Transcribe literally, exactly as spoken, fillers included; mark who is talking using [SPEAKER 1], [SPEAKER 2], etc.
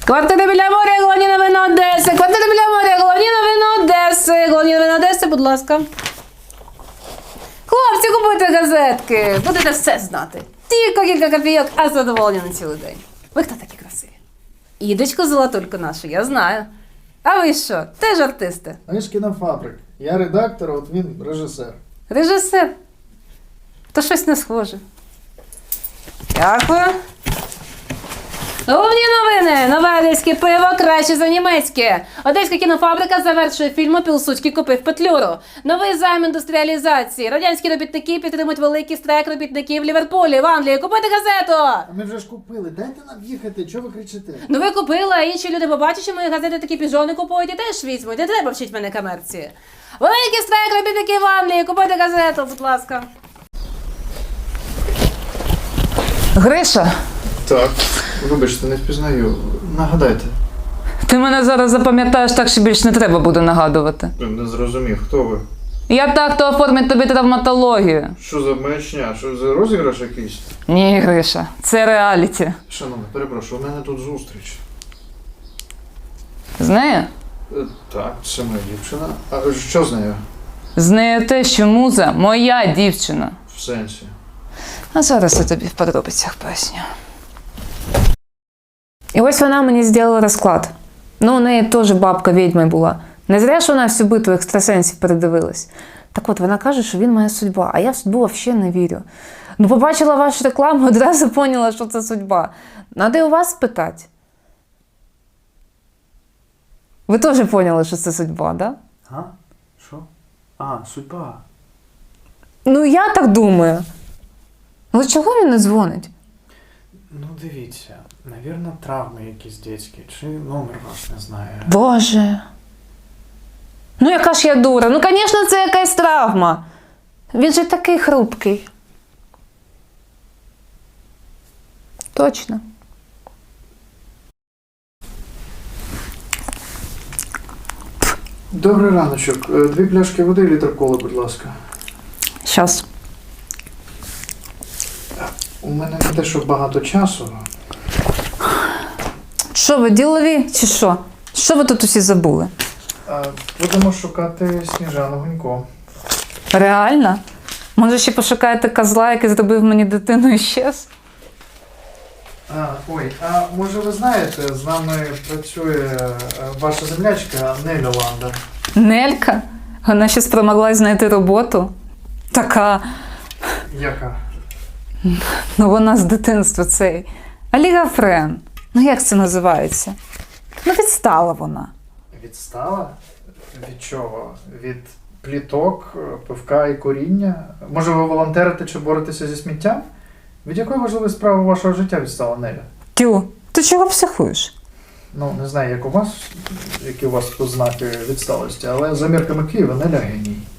[SPEAKER 1] Квартира біля моря, головні новини Одеси. Квартира біля моря, головні новини Одеси. Головні новини Одеси, будь ласка. Хлопці, купуйте газетки. Будете все знати. Тільки кілька копійок, а задоволені на цілий день. Ви хто такі красиві? Ідочку золотульку нашу, я знаю. А ви що? Теж артисти?
[SPEAKER 2] Ми ж кінофабрик. Я редактор, от він режисер.
[SPEAKER 1] Режисер? То щось не схоже. Дякую. Головні новини. Нове одеське пиво краще за німецьке. Одеська кінофабрика завершує фільм «Пілсудський купив Петлюру». Новий займ індустріалізації. Радянські робітники підтримують великий страйк робітників в Ліверпулі, в Англії. Купуйте газету!
[SPEAKER 2] А ми вже ж купили. Дайте нам їхати, чого ви кричите?
[SPEAKER 1] Ну ви купили, а інші люди побачать, що мої газети такі піжони купують і теж візьмуть. Не треба вчити мене комерції. Великий страйк робітників в Англії. Купуйте газету, будь ласка. Гриша.
[SPEAKER 2] Так, вибачте, не впізнаю. Нагадайте.
[SPEAKER 1] Ти мене зараз запам'ятаєш так, що більше не треба буде нагадувати.
[SPEAKER 2] Не зрозумів, хто ви?
[SPEAKER 1] Я так, хто оформить тобі травматологію.
[SPEAKER 2] Що за маячня? Що за розіграш якийсь?
[SPEAKER 1] Ні, Гриша, це реаліті.
[SPEAKER 2] Шановне, перепрошую, у мене тут зустріч.
[SPEAKER 1] З нею?
[SPEAKER 2] Е, Так, це моя дівчина. А що з нею?
[SPEAKER 1] З нею те, що муза моя дівчина.
[SPEAKER 2] В сенсі?
[SPEAKER 1] А зараз я тобі в подробицях поясню. І ось вона мені зробила розклад. Ну, у неї теж бабка відьмою була. Не зря ж вона всю битву екстрасенсів передивилась. Так от, вона каже, що він моя судьба, а я в судьбу взагалі не вірю. Ну, побачила вашу рекламу, одразу поняла, що це судьба. Надо і у вас спитати. Ви теж поняли, що це судьба, да?
[SPEAKER 3] А? Що? А, судьба.
[SPEAKER 1] Ну, я так думаю. Ну, чого він не дзвонить?
[SPEAKER 3] Ну, дивіться, навірно, травми якісь дитячі, чи номер ваш не знає.
[SPEAKER 1] Боже. Ну, яка ж я дура. Ну, звісно, це якась травма. Він же такий хрупкий. Точно.
[SPEAKER 2] Добрий раночок. Е, Дві пляшки води і літр коли, будь ласка.
[SPEAKER 1] Щас.
[SPEAKER 2] У мене не те, що багато часу.
[SPEAKER 1] Що ви, ділові чи що? Що ви тут усі забули?
[SPEAKER 2] Е, Будемо шукати Сніжану Гунько.
[SPEAKER 1] Реально? Може, ще пошукаєте козла, який зробив мені дитину і щез?
[SPEAKER 2] А, ой, а може ви знаєте, з нами працює е, ваша землячка Неля Ланда.
[SPEAKER 1] Нелька? Вона ще спромоглась знайти роботу? Така,
[SPEAKER 2] Яка?
[SPEAKER 1] ну вона з дитинства цей. Олігофрен. Ну як це називається? Ну відстала вона.
[SPEAKER 2] Відстала? Від чого? Від пліток, е, пивка і коріння? Може ви волонтерите чи боретеся зі сміттям? Від якої важливої справи вашого життя відстала Неля?
[SPEAKER 1] Тю, ти чого психуєш?
[SPEAKER 2] Ну, не знаю, як у вас, які у вас ознаки відсталості, але за мірками Києва Неля геній.